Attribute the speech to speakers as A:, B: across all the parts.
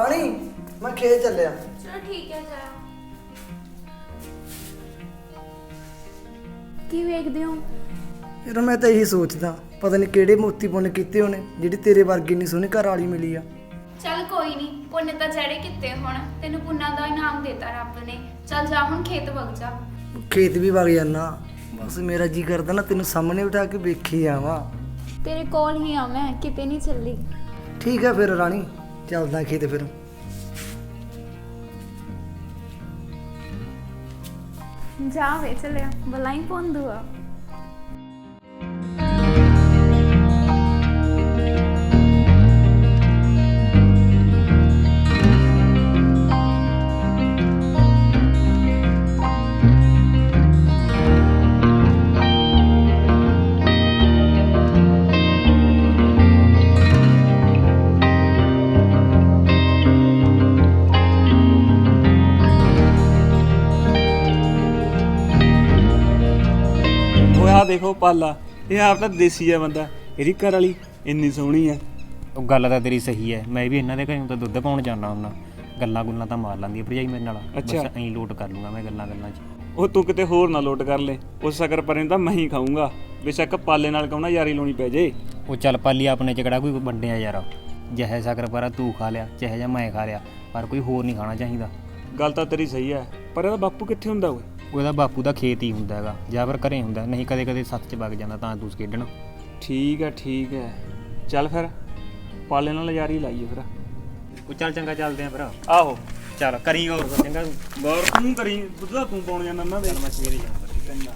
A: ਰਾਣੀ ਮੈਂ ਖੇਤ ਚੱਲਿਆ।
B: ਚਲੋ ਠੀਕ ਹੈ ਜਾਓ। ਕੀ ਵੇਖਦੇ ਹੋ?
A: ਯਾਰ ਮੈਂ ਤਾਂ ਇਹੀ ਸੋਚਦਾ ਪਤਾ ਨਹੀਂ ਕਿਹੜੇ ਮੋਤੀ ਪੁੰਨ ਕੀਤੇ ਹੋਣੇ ਜਿਹੜੀ ਤੇਰੇ ਵਰਗੀ ਨਹੀਂ ਸੋਹਣੀ ਘਰ ਵਾਲੀ ਮਿਲੀ ਆ।
B: ਚੱਲ ਕੋਈ ਨਹੀਂ, ਪੁੰਨ ਤਾਂ ਜਿਹੜੇ ਕੀਤੇ ਹੁਣ ਤੈਨੂੰ ਪੁੰਨਾਂ ਦਾ ਇਨਾਮ ਦੇਤਾ ਰੱਬ ਨੇ। ਚੱਲ ਜਾ ਹੁਣ ਖੇਤ ਵਗ ਜਾ।
A: ਖੇਤ ਵੀ ਵਗ ਜਾਨਾ, ਬਸ ਮੇਰਾ ਜੀ ਕਰਦਾ ਨਾ ਤੈਨੂੰ ਸਾਹਮਣੇ ਬਿਠਾ ਕੇ ਵੇਖੀ ਆਵਾਂ।
B: ਤੇਰੇ ਕੋਲ ਹੀ ਆ ਮੈਂ, ਕਿਤੇ ਨਹੀਂ ਚੱਲੀ।
A: ਠੀਕ ਹੈ ਫਿਰ ਰਾਣੀ, ਚੱਲਦਾ ਖੇਤ ਫਿਰ।
B: ਜਾ ਵੇ ਚੱਲਿਆ, ਬਲਾਈ ਪੌਂਦੂ ਆ।
C: देखो पाला ये आप तो देसी है बंदा, ਇਹਦੀ ਘਰ ਵਾਲੀ ਇੰਨੀ ਸੋਹਣੀ ਹੈ।
D: ਉਹ ਗੱਲ ਤਾਂ ਤੇਰੀ ਸਹੀ ਹੈ, ਮੈਂ ਵੀ ਇਹਨਾਂ ਦੇ ਘਰੋਂ ਤਾਂ ਦੁੱਧ ਪਾਉਣ ਜਾਂਦਾ ਹੁੰਦਾ। ਗੱਲਾਂ ਗੁੱਲਾਂ ਤਾਂ ਮਾਰ ਲੈਂਦੀ ਹੈ ਭਰਜਾਈ ਮੇਰੇ ਨਾਲ। ਬਸ ਐਂ ਲੋਟ ਕਰ ਲੂੰਗਾ ਮੈਂ ਗੱਲਾਂ 'ਚ।
C: ਉਹ ਤੂੰ ਕਿਤੇ ਹੋਰ ਨਾ ਲੋਟ ਕਰ ਲੈ, ਉਸ ਸ਼ੱਕਰ ਪਰੇ ਤਾਂ ਮੈਂ ਹੀ ਖਾਊਂਗਾ। ਬੇਸ਼ੱਕ ਪਾਲੇ ਨਾਲ ਕਹਣਾ ਯਾਰੀ ਲਾਉਣੀ ਪੈ ਜੇ।
D: ਉਹ ਚੱਲ ਪਾਲੀ ਆਪਣੇ 'ਚ ਕਿਹੜਾ ਕੋਈ ਵੰਡਿਆ ਯਾਰ। ਜਿਹੇ ਸ਼ੱਕਰ ਪਰਾ ਤੂੰ ਖਾ ਲਿਆ, ਚਾਹੇ ਜਾਂ ਮੈਂ ਖਾ ਲਿਆ, ਪਰ ਕੋਈ ਹੋਰ ਨਹੀਂ ਖਾਣਾ ਚਾਹੀਦਾ।
C: ਗੱਲ ਤਾਂ ਤੇਰੀ ਸਹੀ ਹੈ, ਪਰ ਇਹਦਾ ਬਾਪੂ ਕਿੱਥੇ ਹੁੰਦਾ ਓਏ?
D: ਉਹਦਾ ਬਾਪੂ ਦਾ ਖੇਤ ਹੀ ਹੁੰਦਾ ਹੈਗਾ, ਜਾਂ ਫਿਰ ਘਰੇ ਹੁੰਦਾ, ਨਹੀਂ ਕਦੇ ਕਦੇ ਸੱਤ 'ਚ ਵਗ ਜਾਂਦਾ ਤਾਂ ਦੂਸ ਖੇਡਣ।
C: ਠੀਕ ਹੈ ਚੱਲ ਫਿਰ ਪਾਲੇ ਨਾਲ ਯਾਰੀ ਲਾਈਏ ਫਿਰ।
D: ਉਹ ਚੱਲ ਚੰਗਾ ਚੱਲਦੇ ਆ ਫਿਰ।
C: ਆਹੋ
D: ਚੱਲ ਕਰੀ ਹੋਰ ਚੰਗਾ।
C: ਗੌਰ ਤੂੰ ਕਰੀ, ਦੁੱਧ ਦਾ ਤੂੰ ਪਾਉਣ ਜਾਂਦਾ ਉਹਨਾਂ ਦੇ।
D: ਮੈਂ ਸਵੇਰੇ ਜਾਊਂਗਾ।
C: ਚੰਗਾ।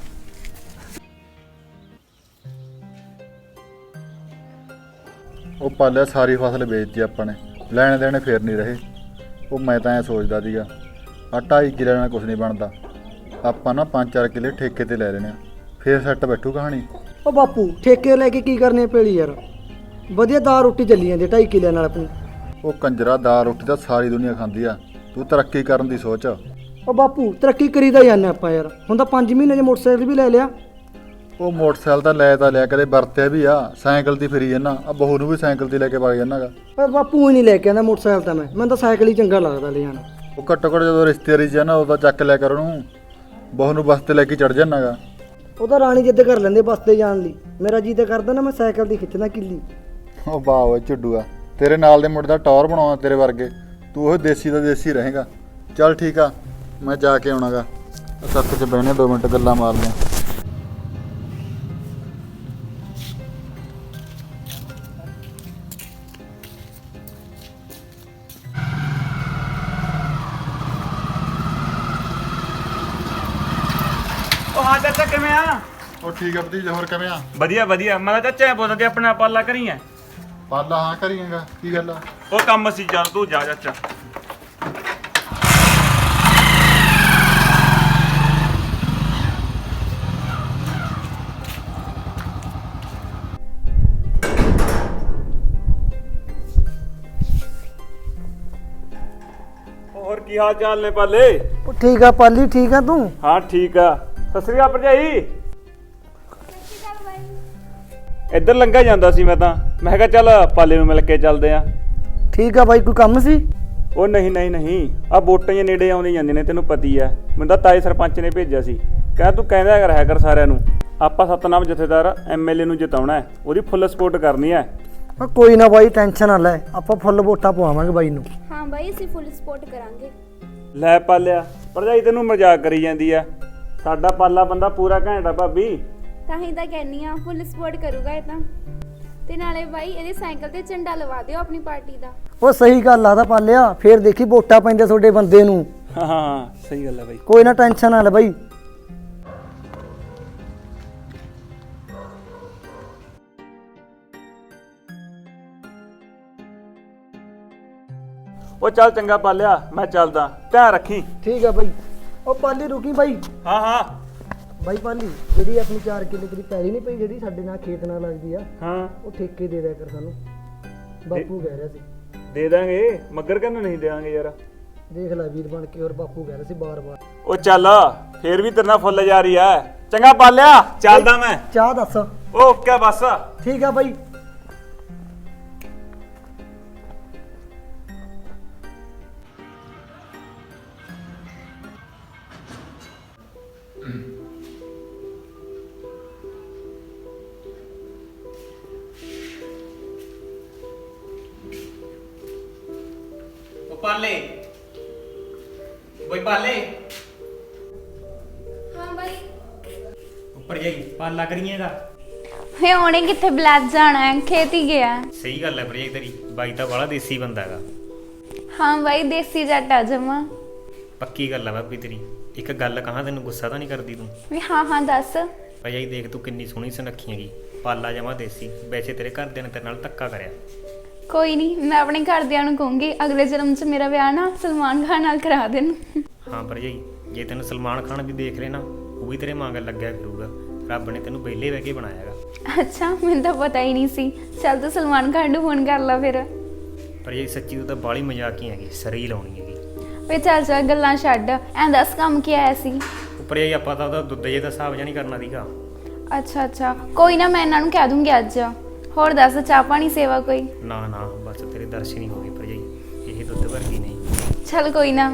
E: ਉਹ ਪਾਲਿਆ ਸਾਰੀ ਫਸਲ ਵੇਚਤੀ ਆਪਾਂ ਨੇ, ਲੈਣੇ ਦੇਣੇ ਫੇਰ ਨਹੀਂ ਰਹੇ। ਉਹ ਮੈਂ ਤਾਂ ਐ ਸੋਚਦਾ ਸੀਗਾ ਆ 2.5 ਕਿੱਲੇ ਨਾਲ ਕੁਝ ਨਹੀਂ ਬਣਦਾ, ਆਪਾਂ ਨਾ 5-4 ਕਿੱਲੇ ਠੇਕੇ ਤੇ ਲੈ ਲੈਣੇ ਆ, ਫੇਰ ਸੈੱਟ ਬੈਠੂ ਕਹਾਣੀ।
A: ਉਹ ਬਾਪੂ ਠੇਕੇ ਲੈ ਕੇ ਕੀ ਕਰਨੇ ਪੇਲੀ ਯਾਰ, ਵਧੀਆ ਦਾਲ ਰੋਟੀ ਚੱਲੀ ਜਾਂਦੀ 2.5 ਕਿੱਲਿਆਂ ਨਾਲ ਆਪਣੀ।
E: ਉਹ ਕੰਜਰਾ ਦਾਲ ਰੋਟੀ ਤਾਂ ਸਾਰੀ ਦੁਨੀਆ ਖਾਂਦੀ ਆ, ਤੂੰ ਤਰੱਕੀ ਕਰਨ ਦੀ ਸੋਚ।
A: ਉਹ ਬਾਪੂ ਤਰੱਕੀ ਕਰੀ ਤਾਂ ਜਾਂਦੇ ਆਪਾਂ ਯਾਰ, ਹੁਣ ਤਾਂ 5 ਮਹੀਨੇ 'ਚ ਮੋਟਰਸਾਈਕਲ ਵੀ ਲੈ ਲਿਆ।
E: ਉਹ ਮੋਟਰਸਾਈਕਲ ਤਾਂ ਲਿਆ, ਕਦੇ ਵਰਤਿਆ ਵੀ ਆ, ਸਾਈਕਲ ਦੀ ਫਿਰੀ ਜਾਂਦਾ ਆ, ਬਹੂ ਨੂੰ ਵੀ ਸਾਈਕਲ ਤੇ ਲੈ ਕੇ ਵਗ ਜਾਂਦਾਗਾ।
A: ਪਰ ਬਾਪੂ ਹੀ ਨਹੀਂ ਲੈ ਕੇ ਆਉਂਦਾ ਮੋਟਰਸਾਈਕਲ ਤਾਂ ਮੈਨੂੰ ਤਾਂ ਸਾਈਕਲ ਹੀ ਚੰਗਾ ਲੱਗਦਾ ਲੈ ਜਾਣਾ।
E: ਉਹ ਘੱਟੋ ਘੱਟ ਜਦੋਂ ਰਿਸ਼ਤੇਦਾਰੀ 'ਚ ਆ ਨਾ ਉਦੋਂ ਚੱਕ ਲਿਆ ਕਰ ਉਹਨੂੰ, ਬਹੂ ਨੂੰ ਬੱਸ ਤੇ ਲੈ ਕੇ ਚੜ ਜਾਂਦਾਗਾ।
A: ਉਹ ਤਾਂ ਰਾਣੀ ਜਿੱਦ ਕਰ ਲੈਂਦੇ ਬੱਸ ਤੇ ਜਾਣ ਲਈ, ਮੇਰਾ ਜੀ ਤਾਂ ਕਰਦਾ ਨਾ ਮੈਂ ਸਾਈਕਲ ਦੀ ਖਿੱਚਦਾ ਕਿੱਲੀ।
E: ਉਹ ਵਾਹ ਓਏ ਝੁੱਡੂਆ, ਤੇਰੇ ਨਾਲ ਦੇ ਮੁੰਡੇ ਦਾ ਟੌਰ ਬਣਾਉਣਾ ਤੇਰੇ ਵਰਗੇ, ਤੂੰ ਉਹ ਦੇਸੀ ਦਾ ਦੇਸੀ ਰਹੇਗਾ। ਚੱਲ ਠੀਕ ਆ, ਮੈਂ ਜਾ ਕੇ ਆਉਣਾਗਾ, ਸੱਤ 'ਚ ਬਹਿਨੇ 2 ਮਿੰਟ ਗੱਲਾਂ ਮਾਰਦੇ।
C: ਉਹ ਹਾਂ ਚਾਚਾ ਕਿਵੇਂ ਆ?
E: ਉਹ ਠੀਕ ਆ ਭਤੀਜਾ, ਹੋਰ ਕਿਵੇਂ ਆ?
C: ਵਧੀਆ ਮੈਂ ਤਾਂ ਚਾਚਾ ਪੁੱਛਦਾ ਤੇ ਆਪਣਾ ਪਾਲਾ ਕਰੀ ਐ।
E: ਪਾਲਾ ਹਾਂ ਕਰੀਏਗਾ, ਕੀ ਗੱਲ ਆ?
C: ਉਹ ਕੰਮ ਸੀ, ਚੱਲ ਤੂੰ ਜਾ ਚਾਚਾ। ਹੋਰ ਕੀ ਹਾਲ ਚਾਲ ਨੇ ਪਾਲੇ?
A: ਉਹ ਠੀਕ ਆ ਪਾਲੀ, ਠੀਕ ਆ ਤੂੰ?
C: ਹਾਂ ਠੀਕ ਆ। ਸਤਿ ਸ੍ਰੀ ਅਕਾਲ ਭਰਜਾਈ। ਇੱਧਰ ਲੰਘਾ ਜਾਂਦਾ ਸੀ ਮੈਂ ਕਿਹਾ ਚੱਲ ਪਾਲੇ ਨੂੰ ਮਿਲ ਕੇ ਚੱਲਦੇ ਆ।
A: ਠੀਕ ਆ ਬਾਈ, ਕੋਈ ਕੰਮ ਸੀ?
C: ਉਹ ਨਹੀਂ ਆ ਵੋਟਾਂ ਜੇ ਨੇੜੇ ਆਉਂਦੀਆਂ ਜਾਂਦੀਆਂ ਨੇ, ਤੈਨੂੰ ਪਤੀ ਆ। ਮੈਨੂੰ ਤਾਂ ਤਾਏ ਸਰਪੰਚ ਨੇ ਭੇਜਿਆ ਸੀ, ਕਹਿੰਦਾ ਤੂੰ ਕਹਿੰਦਾ ਰਹਿ ਕਰ ਸਾਰਿਆਂ ਨੂੰ, ਆਪਾਂ ਸਤਨਾਮ ਜਥੇਦਾਰ MLA ਨੂੰ ਜਿਤਾਉਣਾ ਹੈ, ਉਹਦੀ ਫੁੱਲ ਸਪੋਰਟ ਕਰਨੀ ਹੈ।
A: ਕੋਈ ਨਾ ਬਾਈ, ਟੈਨਸ਼ਨ ਨਾ ਲੈ, ਆਪਾਂ ਫੁੱਲ ਵੋਟਾਂ ਪਵਾਵਾਂਗੇ ਬਾਈ ਨੂੰ।
B: ਹਾਂ ਬਾਈ, ਅਸੀਂ ਫੁੱਲ ਸਪੋਰਟ ਕਰਾਂਗੇ।
C: ਲੈ ਪਾਲਿਆ, ਭਰਜਾਈ ਤੈਨੂੰ ਮਜ਼ਾਕ ਕਰੀ ਜਾਂਦੀ ਆ, ਸਾਡਾ ਪਾਲਾ ਬੰਦਾ ਪੂਰਾ ਘੈਂਟ ਆ ਭਾਬੀ।
B: ਤਾਂ ਹੀ ਤਾਂ ਕਹਿੰਨੀ ਆ ਫੁੱਲ ਸਪੋਰਟ ਕਰੂਗਾ ਇਹ ਤਾਂ। ਤੇ ਨਾਲੇ ਬਾਈ ਇਹਦੇ ਸਾਈਕਲ ਤੇ ਝੰਡਾ ਲਵਾ ਦਿਓ ਆਪਣੀ ਪਾਰਟੀ ਦਾ।
A: ਉਹ ਸਹੀ ਗੱਲ ਆ ਤਾਂ ਪਾਲਿਆ, ਫੇਰ ਦੇਖੀ ਵੋਟਾਂ ਪੈਂਦੇ ਤੁਹਾਡੇ ਬੰਦੇ ਨੂੰ।
C: ਹਾਂ ਸਹੀ ਗੱਲ ਆ ਬਾਈ।
A: ਕੋਈ ਨਾ ਟੈਨਸ਼ਨ ਨਾ ਲੈ ਬਾਈ।
C: ਉਹ ਚੱਲ ਚੰਗਾ ਪਾਲਿਆ, ਮੈਂ ਚੱਲਦਾ, ਧਿਆਨ ਰੱਖੀ।
A: ਠੀਕ ਆ ਬਾਈ। ਉਹ ਪਾਲੀ ਰੁਕੀ ਬਾਈ।
C: ਹਾਂ
A: ਬਾਈ ਪਾਲੀ, ਜਿਹੜੀ ਆਪਣੀ 4 ਕਿੱਲੇ ਦੀ ਪੈਲੀ ਨਹੀਂ ਪਈ ਜਿਹੜੀ ਸਾਡੇ ਨਾਲ ਖੇਤ ਨਾਲ ਲੱਗਦੀ ਆ,
C: ਹਾਂ
A: ਉਹ ਠੇਕੇ ਦੇ ਦਿਆ ਕਰ ਸਾਨੂੰ, ਬਾਪੂ ਕਹਿ ਰਿਹਾ ਸੀ।
C: ਦੇ ਦਾਂਗੇ, ਮੱਗਰ ਕਹਿੰਦਾ ਨਹੀਂ ਦੇਵਾਂਗੇ ਯਾਰ।
A: ਦੇਖ ਲੈ ਵੀਰ ਬਣ ਕੇ, ਹੋਰ ਬਾਪੂ ਕਹਿ ਰਿਹਾ ਸੀ ਬਾਰ-ਬਾਰ।
C: ਉਹ ਚੱਲ ਫੇਰ ਵੀ ਤੇਰੇ ਨਾਲ ਫੁੱਲ ਜਾ ਰਹੀ ਐ। ਚੰਗਾ ਪਾਲਿਆ, ਚੱਲਦਾ ਮੈਂ।
A: ਚਾਹ ਦੱਸ।
C: ਓਕੇ ਬਸ।
A: ਠੀਕ ਆ ਬਾਈ।
D: ਉਹ ਪਾਲੇ ਬਈ ਪਾਲੇ
B: ਹਾਂ ਬਾਈ
D: ਉੱਪਰ ਜਾਈ ਪਾਲਾ ਕਰੀਏਗਾ।
B: ਹੇ ਉਹਨੇ ਕਿੱਥੇ ਬਲੈਕ ਜਾਣਾ ਹੈ, ਖੇਤ ਹੀ ਗਿਆ।
D: ਸਹੀ ਗੱਲ ਹੈ ਭਰਜਾਈ ਤੇਰੀ, ਬਾਈ ਤਾਂ ਬੜਾ ਦੇਸੀ ਬੰਦਾ ਹੈਗਾ।
B: ਹਾਂ ਬਾਈ ਦੇਸੀ ਜੱਟ ਆ ਜਮਾ।
D: ਪੱਕੀ ਗੱਲ ਆ ਭਾਬੀ ਤੇਰੀ। ਇੱਕ ਗੱਲ ਕਹਾਂ, ਤੈਨੂੰ ਗੁੱਸਾ ਤਾਂ ਨਹੀਂ ਕਰਦੀ ਤੂੰ?
B: ਵੀ ਹਾਂ ਹਾਂ ਦੱਸ।
D: ਭਰਜਾਈ ਦੇਖ ਤੂੰ ਕਿੰਨੀ ਸੋਹਣੀ ਸੁਨੱਖੀ ਹੈਗੀ, ਪਾਲਾ ਜਮਾ ਦੇਸੀ। ਵੈਸੇ ਤੇਰੇ ਘਰਦਿਆਂ ਨੇ ਤੇਰੇ ਨਾਲ ਧੱਕਾ ਕਰਿਆ।
B: ਕੋਈ ਨਹੀਂ, ਮੈਂ ਆਪਣੇ ਘਰਦਿਆਂ ਨੂੰ ਕਹੂੰਗੀ ਅਗਲੇ ਜਨਮ 'ਚ ਮੇਰਾ ਵਿਆਹ ਨਾ ਸਲਮਾਨ ਖਾਨ ਨਾਲ ਕਰਾ ਦੇਣ।
D: ਹਾਂ ਭਰਜਾਈ, ਜੇ ਤੈਨੂੰ ਸਲਮਾਨ ਖਾਨ ਵੀ ਦੇਖ ਲੈ ਨਾ, ਉਹ ਵੀ ਤੇਰੇ ਮੰਗਣ ਲੱਗਿਆ ਫਿਰੂਗਾ। ਰੱਬ ਨੇ ਤੈਨੂੰ ਵਿਹਲੇ ਬਹਿ ਕੇ ਬਣਾਇਆ ਹੈਗਾ।
B: ਅੱਛਾ, ਮੈਨੂੰ ਤਾਂ ਪਤਾ ਹੀ ਨਹੀਂ ਸੀ। ਚੱਲ ਤੂੰ ਸਲਮਾਨ ਖਾਨ ਨੂੰ ਫੋਨ ਕਰ ਲਾ ਫਿਰ।
D: ਭਰਜਾਈ ਸੱਚੀ ਤੂੰ ਤਾਂ ਬਾਹਲੀ ਮਜ਼ਾਕੀ ਹੈਗੀ, ਸਰੀ ਲਾਉਣੀ ਹੈਗੀ।
B: ਵੇ ਚੱਲ ਗੱਲਾਂ ਛੱਡ, ਐਂ ਦੱਸ ਕੰਮ ਕੀ ਆਇਆ ਸੀ?
D: ਉੱਪਰ ਜਾਈ ਆਪਾਂ ਤਾਂ ਉਹਦਾ ਦੁੱਧ ਜੇ ਦਾ ਹਿਸਾਬ ਜਾਂ ਨਹੀਂ ਕਰਨਾ ਸੀਗਾ।
B: ਅੱਛਾ ਕੋਈ ਨਾ, ਮੈਂ ਇਹਨਾਂ ਨੂੰ ਕਹਿ ਦੂੰਗੀ ਅੱਜ। ਹੋਰ ਦੱਸ, ਚਾਹ ਪਾਣੀ ਸੇਵਾ ਕੋਈ?
D: ਨਾ ਨਾ, ਬਸ ਤੇਰੇ ਦਰਸ਼ਨ ਹੀ ਹੋ ਗਏ ਭਰਜਾਈ, ਇਹ ਦੁੱਧ ਵਰਗੀ ਨਹੀਂ।
B: ਚੱਲ ਕੋਈ ਨਾ।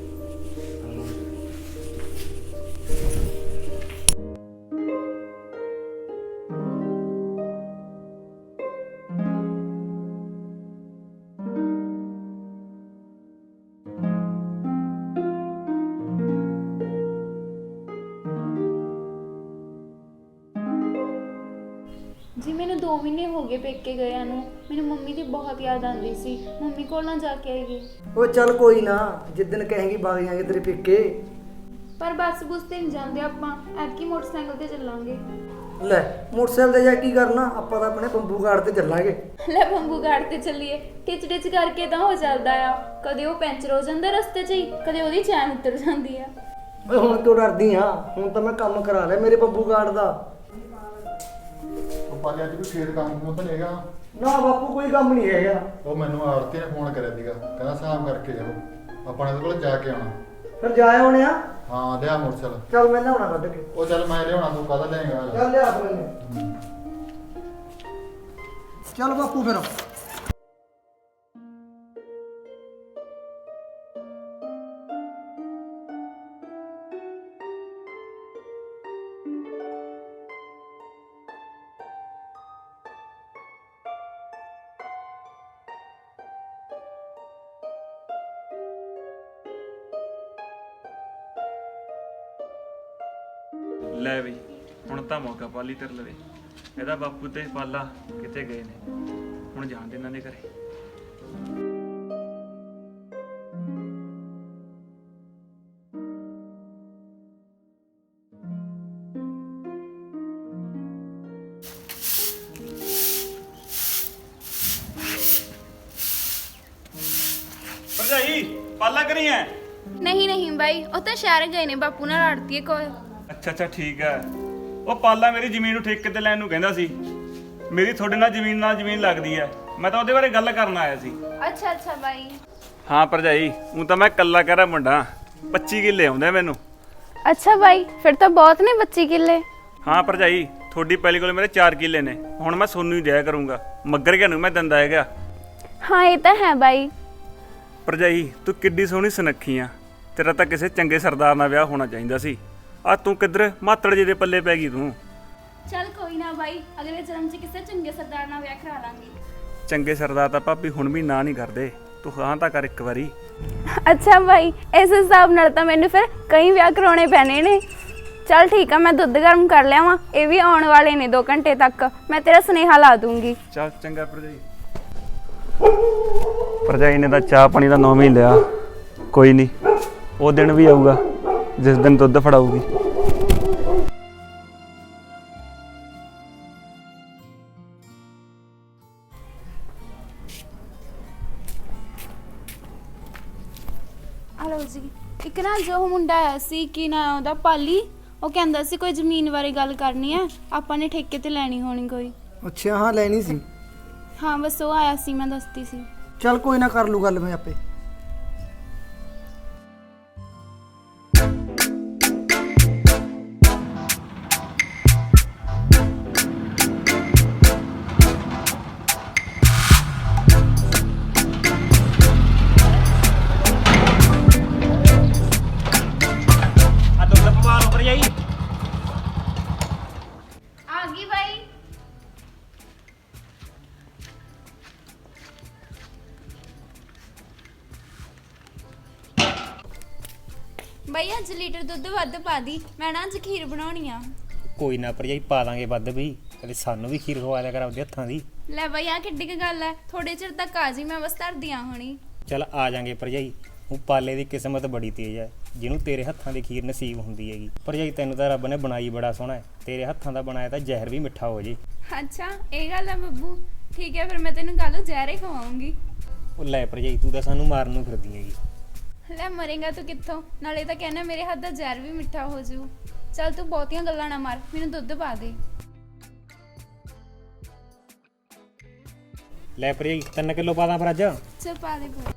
B: ਜੀ ਮੈਨੂੰ 2 ਮਹੀਨੇ ਹੋ ਗਏ ਪੇਕੇ ਗਏ ਨੂੰ। ਮੈਨੂੰ ਮੰਮੀ ਦੀ ਬਹੁਤ ਯਾਦ ਆਉਂਦੀ ਸੀ। ਮੰਮੀ ਕੋਲ ਨਾ ਜਾ ਕੇ ਆਏਗੀ।
A: ਉਹ ਚੱਲ ਕੋਈ ਨਾ, ਜਿੱਦਣ ਕਹੇਂਗੀ ਬਾਗ ਜਾਾਂਗੇ ਤੇਰੇ ਪੇਕੇ।
B: ਪਰ ਬੱਸ ਬੁੱਸ ਤੇ ਨਹੀਂ ਜਾਂਦੇ ਆਪਾਂ, ਐਤਕੀ ਮੋਟਰਸਾਈਕਲ ਤੇ ਚੱਲਾਂਗੇ।
A: ਲੈ ਮੋਟਰਸਾਈਕਲ ਤੇ ਜਾ ਕੀ ਕਰਨਾ, ਆਪਾਂ ਤਾਂ ਆਪਣੇ ਬੰਬੂ ਗਾਰਡ ਤੇ ਚੱਲਾਂਗੇ।
B: ਲੈ ਬੰਬੂ ਗਾਰਡ ਤੇ ਚੱਲੀਏ, ਟਿਚ ਕਰਕੇ ਤਾਂ ਹੋ ਚੱਲਦਾ ਆ। ਕਦੇ ਉਹ ਪੈਂਚਰ ਹੋ ਜਾਂਦਾ ਰਸਤੇ 'ਚ ਹੀ, ਕਦੇ ਉਹਦੀ ਚੈਨ ਉਤਰ ਜਾਂਦੀ ਆ।
A: ਓਏ ਹੁਣ ਕਿਉਂ ਡਰਦੀ ਆ? ਹੁਣ ਤਾਂ ਮੈਂ ਕੰਮ ਕਰਾ ਲਿਆ ਮੇਰੇ ਬੰਬੂ ਗਾਰਡ ਦਾ।
E: ਉਹ ਪਾਲੇ ਅੱਜ ਵੀ ਖੇਤ ਕੰਮ ਤਾਂ ਨਹੀਂਗਾ?
A: ਨਾ ਬਾਪੂ, ਕੋਈ ਕੰਮ ਨਹੀਂ ਹੈਗਾ।
E: ਉਹ ਮੈਨੂੰ ਆੜਤੀ ਨੇ ਫੋਨ ਕਰਿਆ ਸੀਗਾ, ਕਹਿੰਦਾ ਹਿਸਾਬ ਕਰਕੇ ਜਾਓ, ਆਪਾਂ ਨੇ ਉਹਦੇ ਕੋਲ ਜਾ ਕੇ ਆਉਣਾ।
A: ਫਿਰ ਜਾ ਆਉਣੇ ਆ।
E: ਹਾਂ ਲਿਆ ਮੋਟਰਸਾਈਕਲ।
A: ਚੱਲ ਮੈਂ ਲਿਆਉਣਾ ਕੱਢ ਕੇ।
E: ਉਹ ਚੱਲ ਮੈਂ ਲਿਆਉਣਾ, ਤੂੰ ਕਾਹਦਾ ਲਿਆਏਗਾ?
A: ਚੱਲ ਲਿਆ ਆਪਣੇ। ਚੱਲ ਬਾਪੂ ਫਿਰ।
C: ਲੈ ਬਈ, ਹੁਣ ਤਾਂ ਮੌਕਾ ਪਾਲੀ ਤੇਰੇ ਲਵੇ। ਇਹਦਾ ਬਾਪੂ ਤੇ ਪਾਲਾ ਕਿਤੇ ਗਏ ਨੇ, ਹੁਣ ਜਾਣ ਦੇ ਇਹਨਾਂ ਦੇ ਘਰੇ। ਭਰਜਾਈ ਪਾਲਾ ਕਰੀ ਐ?
B: ਨਹੀਂ ਬਾਈ, ਉਹ ਤਾਂ ਸ਼ਹਿਰ ਗਏ ਨੇ, ਬਾਪੂ ਨਾਲ ਲੜਤੀ ਹੈ ਕੋਈ।
C: ਅੱਛਾ ਠੀਕ ਹੈ। ਉਹ ਪਾਲਾ ਮੇਰੀ ਜ਼ਮੀਨ ਨੂੰ ਠੇਕੇ ਤੇ ਲੈਣ ਨੂੰ ਕਹਿੰਦਾ ਸੀ। ਮੇਰੀ ਤੁਹਾਡੇ ਨਾਲ ਜ਼ਮੀਨ ਲੱਗਦੀ ਹੈ, ਮੈਂ ਤਾਂ ਉਹਦੇ ਬਾਰੇ ਗੱਲ ਕਰਨ ਆਇਆ ਸੀ।
B: ਅੱਛਾ ਬਾਈ।
C: ਹਾਂ ਭਰਜਾਈ, ਹੁਣ ਤਾਂ ਮੈਂ ਕੱਲਾ ਕਹਿ ਰਿਹਾ ਮੁੰਡਾ। 25 ਕਿੱਲੇ ਆਉਂਦੇ ਮੈਨੂੰ।
B: ਅੱਛਾ ਬਾਈ, ਫਿਰ ਤਾਂ ਬਹੁਤ ਨੇ 25 ਕਿੱਲੇ।
C: ਹਾਂ ਭਰਜਾਈ, ਤੁਹਾਡੀ ਪਹਿਲੀ ਕੋਲ ਮੇਰੇ 4 ਕਿੱਲੇ ਨੇ। ਹੁਣ ਮੈਂ ਸੋਨੂੰ ਹੀ ਦਿਆ ਕਰੂੰਗਾ, ਮੱਗਰ ਗਿਆ ਨੂੰ ਮੈਂ ਦਿੰਦਾ ਹੈਗਾ।
B: ਹਾਂ ਇਹ ਤਾਂ ਹੈ ਬਾਈ।
C: ਭਰਜਾਈ ਤੂੰ ਕਿੱਡੀ ਸੋਹਣੀ ਸੁਨੱਖੀ ਆ, ਤੇਰਾ ਤਾਂ ਕਿਸੇ ਚੰਗੇ ਸਰਦਾਰ ਨਾਲ ਵਿਆਹ ਹੋਣਾ ਚਾਹੀਦਾ ਸੀ। ਆ ਤੂੰ ਕਿੱਧਰ ਮਾਤੜ ਜੀ ਦੇ ਪੱਲੇ ਪੈ ਗਈ ਤੂੰ।
B: ਚੱਲ ਕੋਈ ਨਾ ਬਾਈ, ਅਗਲੇ ਜਨਮ 'ਚ ਕਿਸੇ ਚੰਗੇ ਸਰਦਾਰ ਨਾਲ ਵਿਆਹ ਕਰਾ ਲਾਂਗੇ।
C: ਚੰਗੇ ਸਰਦਾਰ ਤਾਂ ਭਾਬੀ ਹੁਣ ਵੀ ਨਾ ਨਹੀਂ ਕਰਦੇ, ਤੂੰ ਹਾਂ ਤਾਂ ਕਰ ਇੱਕ ਵਾਰੀ।
B: ਅੱਛਾ ਬਾਈ, ਇਸ ਹਿਸਾਬ ਨਾਲ ਤਾਂ ਮੈਨੂੰ ਫਿਰ ਕਈ ਵਿਆਹ ਕਰਾਉਣੇ ਪੈਣੇ ਨੇ। ਚੱਲ ਠੀਕ ਆ, ਮੈਂ ਦੁੱਧ ਗਰਮ ਕਰ ਲਿਆਵਾਂ, ਇਹ ਵੀ ਆਉਣ ਵਾਲੇ ਨੇ 2 ਘੰਟੇ ਤੱਕ। ਮੈਂ ਤੇਰਾ ਸੁਨੇਹਾ ਲਾ ਦੂੰਗੀ।
C: ਚੱਲ ਚੰਗਾ ਭਰਜਾਈ। ਭਰਜਾਈ ਨੇ ਤਾਂ ਚਾਹ ਪਾਣੀ ਦਾ ਨਾਮ ਹੀ ਲਿਆ। ਕੋਈ ਨਹੀਂ, ਉਹ ਦਿਨ ਵੀ ਆਊਗਾ ਜਿਸ ਦਿਨ ਦੁੱਧ ਫੜਾਊਗੀ।
B: ਹਲੋ ਜੀ, ਇੱਕ ਨਾ ਜੋ ਮੁੰਡਾ ਆਇਆ ਸੀ, ਕੀ ਨਾ ਉਹਦਾ ਪਾਲੀ, ਉਹ ਕਹਿੰਦਾ ਸੀ ਕੋਈ ਜ਼ਮੀਨ ਬਾਰੇ ਗੱਲ ਕਰਨੀ ਹੈ, ਆਪਾਂ ਨੇ ਠੇਕੇ ਤੇ ਲੈਣੀ ਹੋਣੀ ਕੋਈ।
A: ਅੱਛਾ ਹਾਂ, ਲੈਣੀ ਸੀ।
B: ਹਾਂ ਬਸ ਉਹ ਆਇਆ ਸੀ, ਮੈਂ ਦੱਸਦੀ ਸੀ।
A: ਚੱਲ ਕੋਈ ਨਾ, ਕਰ ਲੂ ਗੱਲ ਮੈਂ ਆਪੇ।
D: ਆ ਦੁੱਧ ਪਵਾ ਲਓ ਭਰਜਾਈ।
B: ਆ ਗਈ ਬਾਈ। ਬਈ ਅੱਜ ਲੀਟਰ ਦੁੱਧ ਵੱਧ ਪਾ ਦੀ, ਮੈਂ ਨਾ ਅੱਜ ਖੀਰ ਬਣਾਉਣੀ ਆ।
D: ਕੋਈ ਨਾ ਭਰਜਾਈ ਪਾ ਦਾਂਗੇ ਵੱਧ ਵੀ, ਕਦੇ ਸਾਨੂੰ ਵੀ ਖੀਰ ਖਵਾ ਦਿਆ ਕਰ ਆਪਦੇ ਹੱਥਾਂ ਦੀ।
B: ਲੈ ਬਈ ਆ ਕਿੱਡੀ ਕੁ ਗੱਲ ਹੈ, ਥੋੜੇ ਚਿਰ ਤੱਕ ਆ ਜੀ, ਮੈਂ ਬਸ ਧਰਦੀ ਆ ਹੁਣੀ।
D: ਚੱਲ ਆ ਜਾਾਂਗੇ ਭਰਜਾਈ। ਉਹ ਪਾਲੇ ਦੀ ਕਿਸਮਤ ਬੜੀ ਤੇਜ਼ ਹੈ, ਜਿਹਨੂੰ ਤੇਰੇ ਹੱਥਾਂ ਦੀ ਖੀਰ ਨਸੀਬ ਹੁੰਦੀ ਹੈਗੀ। ਭਰਜਾਈ ਤੈਨੂੰ ਤਾਂ ਰੱਬ ਨੇ ਬਣਾਈ ਬੜਾ ਸੋਹਣਾ ਹੈ, ਤੇਰੇ ਹੱਥਾਂ ਦਾ ਬਣਾਇਆ ਤਾਂ ਜ਼ਹਿਰ ਵੀ ਮਿੱਠਾ ਹੋ ਜੇ।
B: ਅੱਛਾ ਇਹ ਗੱਲ ਹੈ ਬੱਬੂ, ਠੀਕ ਹੈ ਫਿਰ ਮੈਂ ਤੈਨੂੰ ਕੱਲ ਜ਼ਹਿਰੇ ਖਵਾਉਂਗੀ।
D: ਉਹ ਲੈ ਭਰਜਾਈ ਤੂੰ ਤਾਂ ਸਾਨੂੰ ਮਾਰਨ ਨੂੰ ਫਿਰਦੀ ਹੈਗੀ।
B: ਲੈ ਮਰੇਗਾ ਤੂੰ ਕਿੱਥੋਂ, ਨਾਲੇ ਤਾਂ ਕਹਿੰਦਾ ਮੇਰੇ ਹੱਥ ਦਾ ਜ਼ਹਿਰ ਵੀ ਮਿੱਠਾ ਹੋ ਜੂ। ਚੱਲ ਤੂੰ ਬਹੁਤੀਆਂ ਗੱਲਾਂ ਨਾ ਮਾਰ, ਮੈਨੂੰ ਦੁੱਧ ਪਾ ਦੇ।
D: ਲੈ ਭਰਜਾਈ 3 ਕਿਲੋ ਪਾ ਦਾਂ ਫਿਰ ਅੱਜ।
B: ਚੱਲ ਪਾ ਦੇ ਪਾ।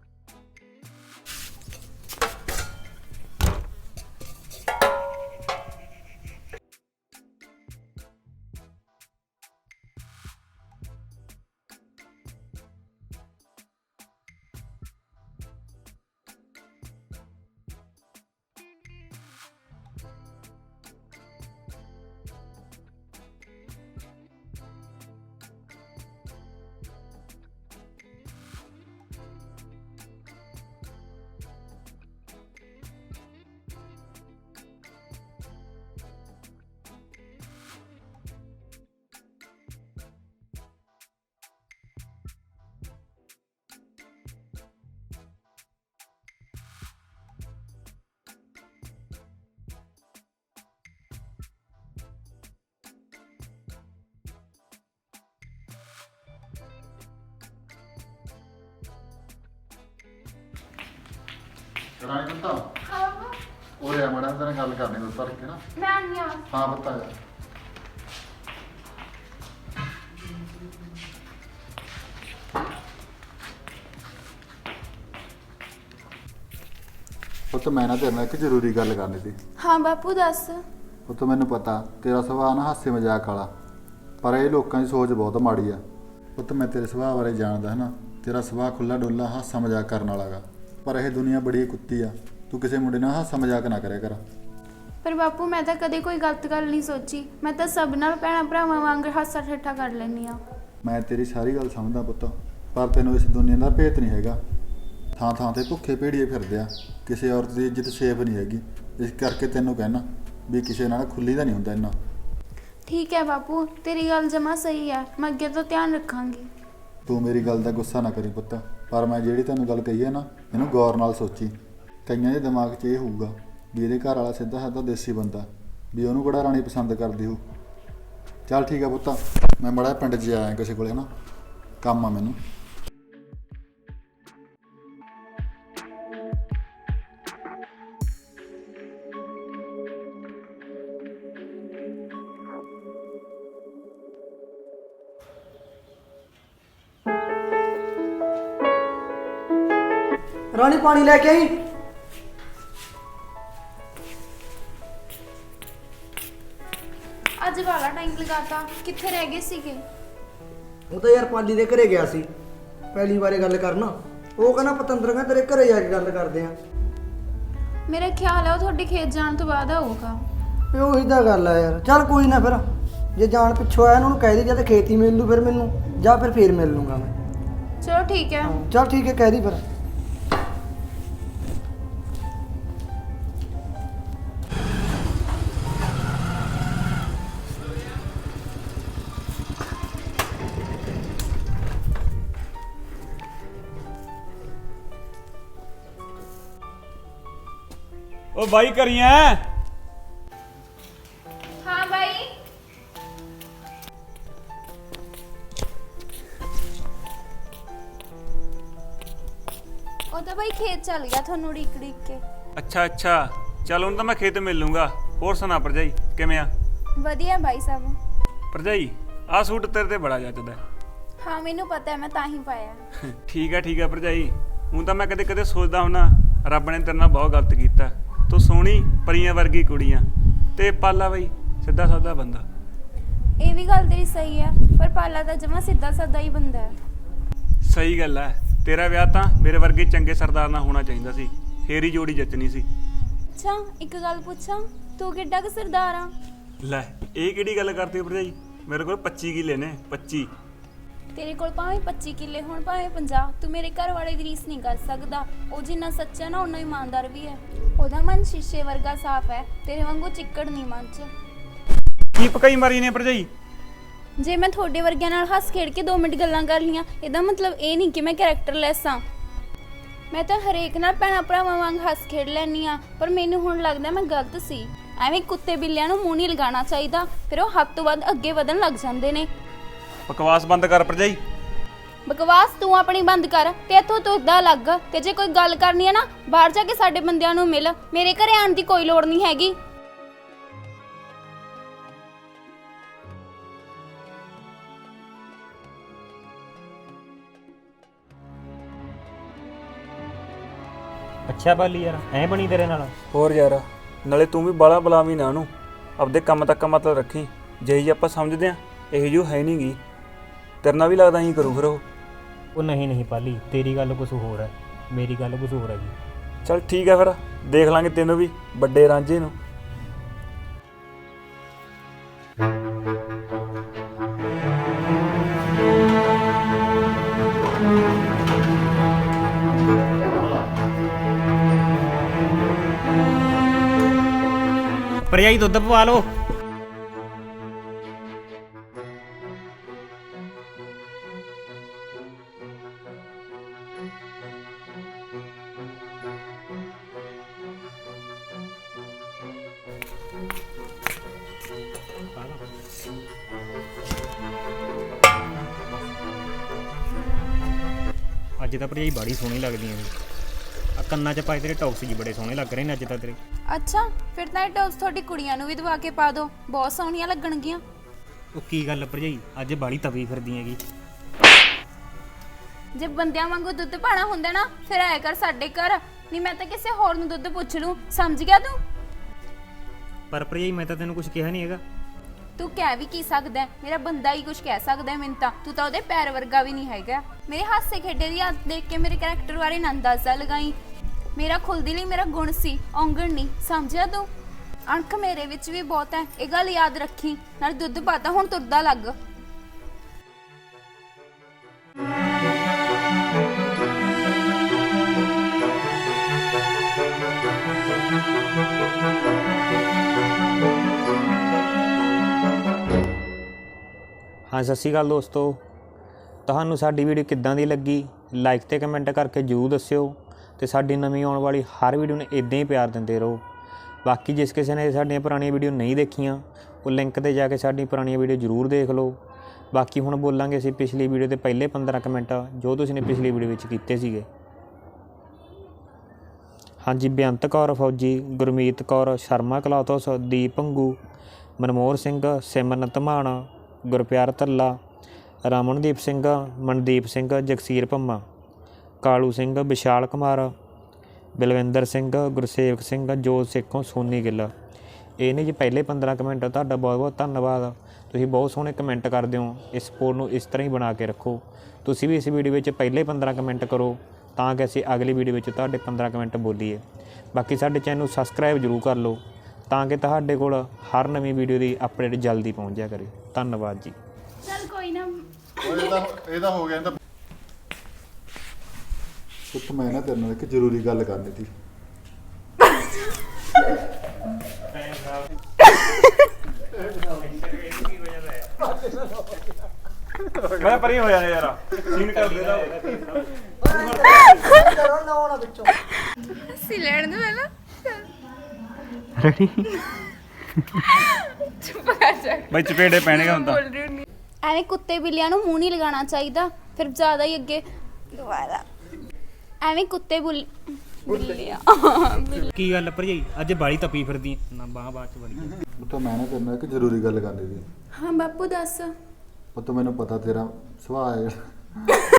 E: ਰਾਣੀ ਪੁੱਤਾ ਉਹ ਰਿਆ ਮੜਾ ਤੇਰੇ ਗੱਲ ਕਰਨੀ ਦੁੱਧ ਭਰ ਕੇ ਨਾ।
B: ਮੈਂ ਆਨੀ ਆ।
E: ਹਾਂ ਪੁੱਤਾ ਜਾ। ਪੁੱਤ ਮੈਂ ਨਾ ਤੇਰੇ ਨਾਲ ਇੱਕ ਜ਼ਰੂਰੀ ਗੱਲ ਕਰਨੀ ਸੀ।
B: ਹਾਂ ਬਾਪੂ ਦੱਸ।
E: ਪੁੱਤ ਮੈਨੂੰ ਪਤਾ ਤੇਰਾ ਸੁਭਾਅ ਨਾ ਹਾਸੇ ਮਜ਼ਾਕ ਵਾਲਾ, ਪਰ ਇਹ ਲੋਕਾਂ ਦੀ ਸੋਚ ਬਹੁਤ ਮਾੜੀ ਆ। ਪੁੱਤ ਮੈਂ ਤੇਰੇ ਸੁਭਾਅ ਬਾਰੇ ਜਾਣਦਾ ਹੈ ਨਾ, ਤੇਰਾ ਸੁਭਾਅ ਖੁੱਲਾ ਡੁੱਲਾ ਹਾਸਾ ਮਜ਼ਾਕ ਕਰਨ ਵਾਲਾ ਗਾ, ਪਰ ਇਹ ਦੁਨੀਆ ਬੜੀ ਕੁੱਤੀ ਆ। ਤੂੰ ਕਿਸੇ ਮੁੰਡੇ ਨਾਲ ਹਾਸਾ ਮਜ਼ਾਕ ਨਾ ਕਰਿਆ ਕਰ।
B: ਪਰ ਬਾਪੂ ਮੈਂ ਤਾਂ ਕਦੇ ਕੋਈ ਗਲਤ ਗੱਲ ਨਹੀਂ ਸੋਚੀ, ਮੈਂ ਤਾਂ ਸਭ ਨਾਲ ਭੈਣਾਂ ਭਰਾਵਾਂ ਵਾਂਗ ਹਾਸਾ ਠੱਠਾ ਕਰ ਲੈਂਦੀ ਆ।
E: ਮੈਂ ਤੇਰੀ ਸਾਰੀ ਗੱਲ ਸਮਝਦਾ ਪੁੱਤ, ਪਰ ਤੈਨੂੰ ਇਸ ਦੁਨੀਆ ਦਾ ਭੇਤ ਨਹੀਂ ਹੈਗਾ। ਥਾਂ ਥਾਂ ਤੇ ਭੁੱਖੇ ਭੇੜੀਏ ਫਿਰਦੇ ਆ, ਕਿਸੇ ਔਰਤ ਦੀ ਇੱਜ਼ਤ ਸੇਫ ਨਹੀਂ ਹੈਗੀ। ਇਸ ਕਰਕੇ ਤੈਨੂੰ ਕਹਿਣਾ ਵੀ ਕਿਸੇ ਨਾਲ ਖੁੱਲੀ ਦਾ ਨਹੀਂ ਹੁੰਦਾ ਇੰਨਾ।
B: ਠੀਕ ਹੈ ਬਾਪੂ, ਤੇਰੀ ਗੱਲ ਜਮਾ ਸਹੀ ਹੈ, ਮੈਂ ਅੱਗੇ ਤੋਂ ਧਿਆਨ ਰੱਖਾਂਗੀ।
E: ਤੂੰ ਮੇਰੀ ਗੱਲ ਦਾ ਗੁੱਸਾ ਨਾ ਕਰੀ ਪੁੱਤ, ਪਰ ਮੈਂ ਜਿਹੜੀ ਤੈਨੂੰ ਗੱਲ ਕਹੀ ਹੈ ਨਾ, ਇਹਨੂੰ ਗੌਰ ਨਾਲ ਸੋਚੀ। ਕਈਆਂ ਦੇ ਦਿਮਾਗ 'ਚ ਇਹ ਹੋਊਗਾ ਵੀ ਇਹਦੇ ਘਰ ਵਾਲਾ ਸਿੱਧਾ ਸਾਦਾ ਦੇਸੀ ਬੰਦਾ, ਵੀ ਉਹਨੂੰ ਕਿਹੜਾ ਰਾਣੀ ਪਸੰਦ ਕਰਦੀ ਹੋ। ਚੱਲ ਠੀਕ ਆ ਪੁੱਤ, ਮੈਂ ਬੜਾ ਪਿੰਡ 'ਚ ਆਇਆ ਕਿਸੇ ਕੋਲੇ ਨਾ, ਕੰਮ ਆ ਮੈਨੂੰ।
A: ਰਾਣੀ ਪਾਣੀ ਲੈ ਕੇ ਆਈ।
B: ਅੱਜ ਵਾਲਾ ਟਾਈਮ ਲਗਾਤਾ, ਕਿੱਥੇ ਰਹਿ ਗਏ ਸੀਗੇ?
A: ਉਹ ਤਾਂ ਯਾਰ ਪਾਲੀ ਦੇ ਘਰੇ ਗਿਆ ਸੀ ਪਹਿਲੀ ਵਾਰੇ ਗੱਲ ਕਰਨਾ। ਉਹ ਕਹਿੰਦਾ ਪਤੰਦਰ ਕਹਿੰਦਾ ਤੇਰੇ ਘਰੇ ਜਾ ਕੇ ਗੱਲ ਕਰਦੇ ਆ।
B: ਮੇਰਾ ਖਿਆਲ ਹੈ ਉਹ ਤੁਹਾਡੇ ਖੇਤ ਜਾਣ ਤੋਂ ਬਾਅਦ ਆਊਗਾ।
A: ਤੇ ਉਹੀ ਤਾਂ ਗੱਲ ਆ ਯਾਰ। ਚੱਲ ਕੋਈ ਨਾ, ਫਿਰ ਜੇ ਜਾਣ ਪਿੱਛੋਂ ਆਇਆ ਉਹਨੂੰ ਕਹਿ ਦੇ ਜਾਂ ਤਾਂ ਖੇਤੀ ਮਿਲ ਲੂ ਫਿਰ ਮੈਨੂੰ, ਜਾਂ ਫਿਰ ਫੇਰ ਮਿਲ ਲੂੰਗਾ ਮੈਂ।
B: ਚਲੋ ਠੀਕ ਹੈ।
A: ਚੱਲ ਠੀਕ ਹੈ, ਕਹਿ ਦੀ ਫਿਰ।
C: ਉਹ ਬਾਈ ਕਰੀਆਂ।
B: ਹਾਂ ਬਾਈ। ਉਹ ਤਾਂ ਬਾਈ ਖੇਤ ਚੱਲ ਗਿਆ ਤੁਹਾਨੂੰ ਉਡੀਕ ਕੇ।
C: ਅੱਛਾ ਅੱਛਾ, ਚੱਲ ਹੁਣ ਤਾਂ ਮੈਂ ਖੇਤ ਮਿਲ ਲੂੰਗਾ। ਹੋਰ ਸੁਣਾ ਭਰਜਾਈ, ਕਿਵੇਂ ਆ?
B: ਵਧੀਆ ਬਾਈ ਸਾਹਿਬ।
C: ਭਰਜਾਈ ਆਹ ਸੂਟ ਤੇਰੇ ਤੇ ਬੜਾ ਜੱਚਦਾ।
B: ਹਾਂ ਮੈਨੂੰ ਪਤਾ ਹੈ, ਮੈਂ ਤਾਂ ਹੀ ਪਾਇਆ।
C: ਠੀਕ ਆ ਭਰਜਾਈ। ਹੁਣ ਤਾਂ ਮੈਂ ਕਦੇ ਕਦੇ ਸੋਚਦਾ ਹੁੰਨਾ ਰੱਬ ਨੇ ਤੇਰੇ ਨਾਲ ਬਹੁਤ ਗਲਤ ਕੀਤਾ। ਤੂੰ ਸੋਹਣੀ ਪਰੀਆਂ ਵਰਗੀ ਕੁੜੀਆਂ ਤੇ ਪਾਲਾ ਬਈ ਸਿੱਧਾ ਸਾਦਾ ਬੰਦਾ।
B: ਇਹ ਵੀ ਗੱਲ ਤੇਰੀ ਸਹੀ ਹੈ, ਪਰ ਪਾਲਾ ਤਾਂ ਜਮਾ ਸਿੱਧਾ ਸਾਦਾ ਹੀ ਬੰਦਾ ਹੈ।
C: ਸਹੀ ਗੱਲ ਹੈ, ਤੇਰਾ ਵਿਆਹ ਤਾਂ ਮੇਰੇ ਵਰਗੇ ਚੰਗੇ ਸਰਦਾਰ ਨਾਲ ਹੋਣਾ ਚਾਹੀਦਾ ਸੀ, ਫੇਰ ਹੀ ਜੋੜੀ ਜੱਚਣੀ ਸੀ।
B: ਅੱਛਾ ਇੱਕ ਗੱਲ ਪੁੱਛਾਂ, ਤੂੰ ਕਿੱਡਾ ਕੁ ਸਰਦਾਰ ਆ?
C: ਲੈ ਇਹ ਕਿਹੜੀ ਗੱਲ ਕਰਦੀ ਹੋ ਭਰਜਾਈ, ਮੇਰੇ ਕੋਲ 25 ਕਿੱਲੇ ਨੇ। 25।
B: ਤੇਰੇ ਕੋਲ ਭਾਵੇਂ 25 ਕਿੱਲੇ ਹੋਣ ਭਾਵੇਂ 50, ਤੂੰ ਮੇਰੇ ਘਰ ਵਾਲੇ ਦੀ ਰੀਸ ਨਹੀਂ ਕਰ ਸਕਦਾ। ਉਹ ਜਿੰਨਾ ਸੱਚਾ ਨਾ ਉਨਾ ਇਮਾਨਦਾਰ ਵੀ ਹੈ। ਉਹਦਾ ਮਨ ਸ਼ੀਸ਼ੇ ਵਰਗਾ ਸਾਫ਼ ਹੈ, ਤੇਰੇ ਵਾਂਗੂ ਚਿੱਕੜ ਨਹੀਂ ਮਨ 'ਚ।
C: ਕੀ ਪਕਾਈ ਮਾਰੀ ਨੇ ਭਰਜਾਈ?
B: ਜੇ ਮੈਂ ਤੁਹਾਡੇ ਵਰਗਿਆਂ ਨਾਲ ਹੱਸ ਖੇਡ ਕੇ 2 ਮਿੰਟ ਗੱਲਾਂ ਕਰ ਲੀਆਂ, ਇਹਦਾ ਮਤਲਬ ਇਹ ਨਹੀਂ ਕਿ ਮੈਂ ਕੈਰੈਕਟਰਲੈਸ ਹਾਂ। ਮੈਂ ਤਾਂ ਹਰੇਕ ਨਾਲ ਭੈਣਾਂ ਭਰਾਵਾਂ ਵਾਂਗ ਹੱਸ ਖੇਡ ਲੈਂਦੀ ਹਾਂ, ਪਰ ਮੈਨੂੰ ਹੁਣ ਲੱਗਦਾ ਮੈਂ ਗਲਤ ਸੀ। ਐਵੇਂ ਕੁੱਤੇ ਬਿੱਲਿਆਂ ਨੂੰ ਮੂੰਹ ਨਹੀਂ ਲਗਾਉਣਾ ਚਾਹੀਦਾ, ਫਿਰ ਉਹ ਹੱਦ ਤੋਂ ਵੱਧ ਅੱਗੇ ਵਧਣ ਲੱਗ ਜਾਂਦੇ ਨੇ।
C: ਬਕਵਾਸ ਬੰਦ ਕਰ ਭਰਜਾਈ।
B: ਬਕਵਾਸ ਤੂੰ ਆਪਣੀ ਬੰਦ ਕਰ ਤੇ ਇੱਥੋਂ ਤੁਰਦਾ ਲੱਗ। ਤੇ ਜੇ ਕੋਈ ਗੱਲ ਕਰਨੀ ਹੈ ਨਾ, ਬਾਹਰ ਜਾ ਕੇ ਸਾਡੇ ਬੰਦਿਆਂ ਨੂੰ ਮਿਲ, ਮੇਰੇ ਘਰੇ ਆਉਣ ਦੀ ਕੋਈ ਲੋੜ ਨਹੀਂ ਹੈਗੀ।
D: ਅੱਛਾ ਪਾਲੀ ਯਾਰ, ਐ ਬਣੀ ਤੇਰੇ ਨਾਲ?
C: ਹੋਰ ਯਾਰ, ਨਾਲੇ ਤੂੰ ਵੀ ਬਾਲਾ ਬੁਲਾਵੀਂ ਨਾ ਉਹਨੂੰ, ਆਪਦੇ ਕੰਮ ਤੱਕ ਮਤਲਬ ਰੱਖੀ। ਜਿਹੀ ਆਪਾਂ ਸਮਝਦੇ ਆ ਇਹੋ ਜਿਹੀ ਹੈ ਨਹੀਂ ਗੀ। ਤੇਰੇ ਨਾਲ ਵੀ ਲੱਗਦਾ ਹੀ ਕਰੂ ਫਿਰ ਉਹ।
D: ਉਹ ਨਹੀਂ ਪਾਲੀ, ਤੇਰੀ ਗੱਲ ਕੁਝ ਹੋਰ ਹੈ, ਮੇਰੀ ਗੱਲ ਕੁਝ ਹੋਰ ਹੈਗੀ।
C: ਚਲ ਠੀਕ ਆ, ਫਿਰ ਦੇਖ ਲਾਂਗੇ ਤੈਨੂੰ ਵੀ ਵੱਡੇ ਰਾਂਝੇ ਨੂੰ।
D: ਭਰਜਾਈ ਦੁੱਧ ਪਵਾ ਲਓ। ਅੱਜ ਤਾਂ ਭਰਜਾਈ ਬੜੀ ਸੋਹਣੀ ਲੱਗਦੀਆਂ ਨੇ। ਆ ਕੰਨਾਂ 'ਚ ਪਾਏ ਤੇਰੇ ਟੌਕਸ ਜੀ ਬੜੇ ਸੋਹਣੇ ਲੱਗ ਰਹੇ ਨੇ ਅੱਜ ਤਾਂ ਤੇਰੇ।
B: ਅੱਛਾ, ਫਿਰ ਤਾਂ ਇਹ ਟੌਪਸ ਤੁਹਾਡੀ ਕੁੜੀਆਂ ਨੂੰ ਵੀ ਦਵਾ ਕੇ ਪਾ ਦਿਓ, ਬਹੁਤ ਸੋਹਣੀਆਂ ਲੱਗਣਗੀਆਂ।
D: ਉਹ ਕੀ ਗੱਲ ਭਰਜਾਈ, ਅੱਜ ਬਾਲੀ ਤਵੀ ਫਿਰਦੀ ਹੈਗੀ।
B: ਜੇ ਬੰਦਿਆਂ ਵਾਂਗੂ ਦੁੱਧ ਪਾਣਾ ਹੁੰਦਾ ਨਾ, ਫਿਰ ਆਇਆ ਕਰ ਸਾਡੇ ਘਰ, ਨਹੀਂ ਮੈਂ ਤਾਂ ਕਿਸੇ ਹੋਰ ਨੂੰ ਦੁੱਧ ਪੁੱਛ ਲੂੰ। ਸਮਝ ਗਿਆ ਤੂੰ?
D: ਪਰ ਭਰਜਾਈ ਮੈਂ ਤਾਂ ਤੈਨੂੰ ਕੁਝ ਕਿਹਾ ਨਹੀਂ ਹੈਗਾ।
B: ਤੂੰ ਕਹਿ ਵੀ ਕੀ ਸਕਦਾ ਹੈ? ਮੇਰਾ ਬੰਦਾ ਹੀ ਕੁਝ ਕਹਿ ਸਕਦਾ ਹੈ ਮੈਨੂੰ ਤਾਂ। ਤੂੰ ਤਾਂ ਉਹਦੇ ਪੈਰ ਵਰਗਾ ਵੀ ਨਹੀਂ ਹੈਗਾ। ਮੇਰੇ ਹਾਸੇ ਖੇਡੇ ਦੀ ਆਦਤ ਦੇਖ ਕੇ ਮੇਰੇ ਕੈਰੈਕਟਰ ਬਾਰੇ ਨਾ ਅੰਦਾਜ਼ਾ ਲਗਾਈ। ਮੇਰਾ ਖੁੱਲਦੀ ਲਈ ਮੇਰਾ ਗੁਣ ਸੀ, ਔਂਗਣ ਨਹੀਂ। ਸਮਝਿਆ ਤੂੰ? ਅਣਖ ਮੇਰੇ ਵਿੱਚ ਵੀ ਬਹੁਤ ਹੈ, ਇਹ ਗੱਲ ਯਾਦ ਰੱਖੀ। ਨਾਲ ਦੁੱਧ ਪਾਤਾ, ਹੁਣ ਤੁਰਦਾ ਲੱਗ।
D: ਹਾਂ, ਸਤਿ ਸ਼੍ਰੀ ਅਕਾਲ ਦੋਸਤੋ। ਤੁਹਾਨੂੰ ਸਾਡੀ ਵੀਡੀਓ ਕਿੱਦਾਂ ਦੀ ਲੱਗੀ, ਲਾਈਕ ਤੇ ਕਮੈਂਟ ਕਰਕੇ ਜ਼ਰੂਰ ਦੱਸਿਓ। ਤੇ ਸਾਡੀ ਨਵੀਂ ਆਉਣ ਵਾਲੀ ਹਰ ਵੀਡੀਓ ਨੂੰ ਇਦਾਂ ਹੀ ਪਿਆਰ ਦਿੰਦੇ ਰਹੋ। ਬਾਕੀ ਜਿਸ ਕਿਸੇ ਨੇ ਸਾਡੀਆਂ ਪੁਰਾਣੀਆਂ ਵੀਡੀਓ ਨਹੀਂ ਦੇਖੀਆਂ, ਉਹ ਲਿੰਕ ਤੇ ਜਾ ਕੇ ਸਾਡੀ ਪੁਰਾਣੀਆਂ ਵੀਡੀਓ ਜ਼ਰੂਰ ਦੇਖ ਲਓ। ਬਾਕੀ ਹੁਣ ਬੋਲਾਂਗੇ ਅਸੀਂ ਪਿਛਲੀ ਵੀਡੀਓ ਦੇ ਪਹਿਲੇ 15 ਕਮੈਂਟ ਜੋ ਤੁਸੀਂ ਨੇ ਪਿਛਲੀ ਵੀਡੀਓ ਵਿੱਚ ਕੀਤੇ ਸੀਗੇ। ਹਾਂਜੀ, ਬੇਅੰਤ ਕੌਰ ਫੌਜੀ, ਗੁਰਮੀਤ ਕੌਰ, ਸ਼ਰਮਾ ਕਲੌਥਸ, ਦੀਪ ਭੰਗੂ, ਮਨਮੋਹਰ ਸਿੰਘ, ਸਿਮਰਨਤ ਮਾਨ, ਗੁਰਪਿਆਰ ਧੱਲਾ, ਰਮਨਦੀਪ ਸਿੰਘ, ਮਨਦੀਪ ਸਿੰਘ, ਜਗਸੀਰ ਭੰਮਾ, ਕਾਲੂ ਸਿੰਘ, ਵਿਸ਼ਾਲ ਕੁਮਾਰ, ਬਲਵਿੰਦਰ ਸਿੰਘ, ਗੁਰਸੇਵਕ ਸਿੰਘ, ਜੋਤ ਸੇਖੋਂ, ਸੋਨੀ ਗਿੱਲ। ਇਹ ਨੇ ਜੀ ਪਹਿਲੇ 15 ਕਮੈਂਟ। ਤੁਹਾਡਾ ਬਹੁਤ ਬਹੁਤ ਧੰਨਵਾਦ। ਤੁਸੀਂ ਬਹੁਤ ਸੋਹਣੇ ਕਮੈਂਟ ਕਰਦੇ ਹੋ। ਇਸ ਸਪੋਰਟ ਨੂੰ ਇਸ ਤਰ੍ਹਾਂ ਹੀ ਬਣਾ ਕੇ ਰੱਖੋ। ਤੁਸੀਂ ਵੀ ਇਸ ਵੀਡੀਓ ਵਿੱਚ ਪਹਿਲੇ 15 ਕਮੈਂਟ ਕਰੋ ਤਾਂ ਕਿ ਅਸੀਂ ਅਗਲੀ ਵੀਡੀਓ ਵਿੱਚ ਤੁਹਾਡੇ 15 ਕਮੈਂਟ ਬੋਲੀਏ। ਬਾਕੀ ਸਾਡੇ ਚੈਨਲ ਨੂੰ ਸਬਸਕ੍ਰਾਈਬ ਜ਼ਰੂਰ ਕਰ ਲਓ ਤਾਂ ਕਿ ਤੁਹਾਡੇ ਕੋਲ ਹਰ ਨਵੀਂ ਵੀਡੀਓ ਦੀ ਅਪਡੇਟ ਜਲਦੀ ਪਹੁੰਚ ਜਾਇਆ ਕਰੇ। ਧੰਨਵਾਦ ਜੀ।
B: ਚੱਲ ਕੋਈ ਨਾ।
E: ਇਹਦਾ ਹੋ ਗਿਆ। ਇਹਦਾ ਪੁੱਤ ਮੈਂ ਨਾ ਤੇਰੇ ਨਾਲ ਇੱਕ ਜ਼ਰੂਰੀ ਗੱਲ ਕਰਨੀ ਸੀ।
C: ਮੈਂ ਪਰੇ ਹੋ ਜਾਣਾ ਯਾਰ, ਸੀਨ ਕਰ ਦੇਦਾ।
A: ਕਰੋ ਨਾ ਹੋਣਾ ਵਿੱਚੋਂ।
B: ਸੀ ਲੈਣ ਦੇ ਪਹਿਲਾਂ।
D: ਰੈਡੀ?
B: ਚੁੱਪ ਕਰ ਜਾ।
C: ਬਈ ਚਪੇੜੇ ਪੈਣਗੇ ਹੁਣ ਤਾਂ।
B: ਐਵੇਂ ਕੁੱਤੇ ਬਿੱਲਿਆਂ ਨੂੰ ਮੂੰਹ ਨਹੀਂ ਲਗਾਉਣਾ ਚਾਹੀਦਾ, ਫਿਰ ਜ਼ਿਆਦਾ ਹੀ ਅੱਗੇ। ਦੁਬਾਰਾ ਐਵੇਂ ਕੁੱਤੇ ਬਿੱਲਿਆਂ।
D: ਕੀ ਗੱਲ ਭਰਜਾਈ, ਅੱਜ ਬਾਲੀ ਤਪੀ ਫਿਰਦੀ ਨਾ? ਬਾਅਦ ਚ ਬੜੀ।
E: ਪੁੱਤ ਮੈਂ ਨਾ ਤੇਰੇ ਨਾਲ ਇੱਕ ਜ਼ਰੂਰੀ ਗੱਲ ਕਰਨੀ ਸੀ।
B: ਹਾਂ ਬਾਪੂ ਦੱਸ।
E: ਪੁੱਤ ਮੈਨੂੰ ਪਤਾ ਤੇਰਾ ਸੁਭਾਅ ਹੈ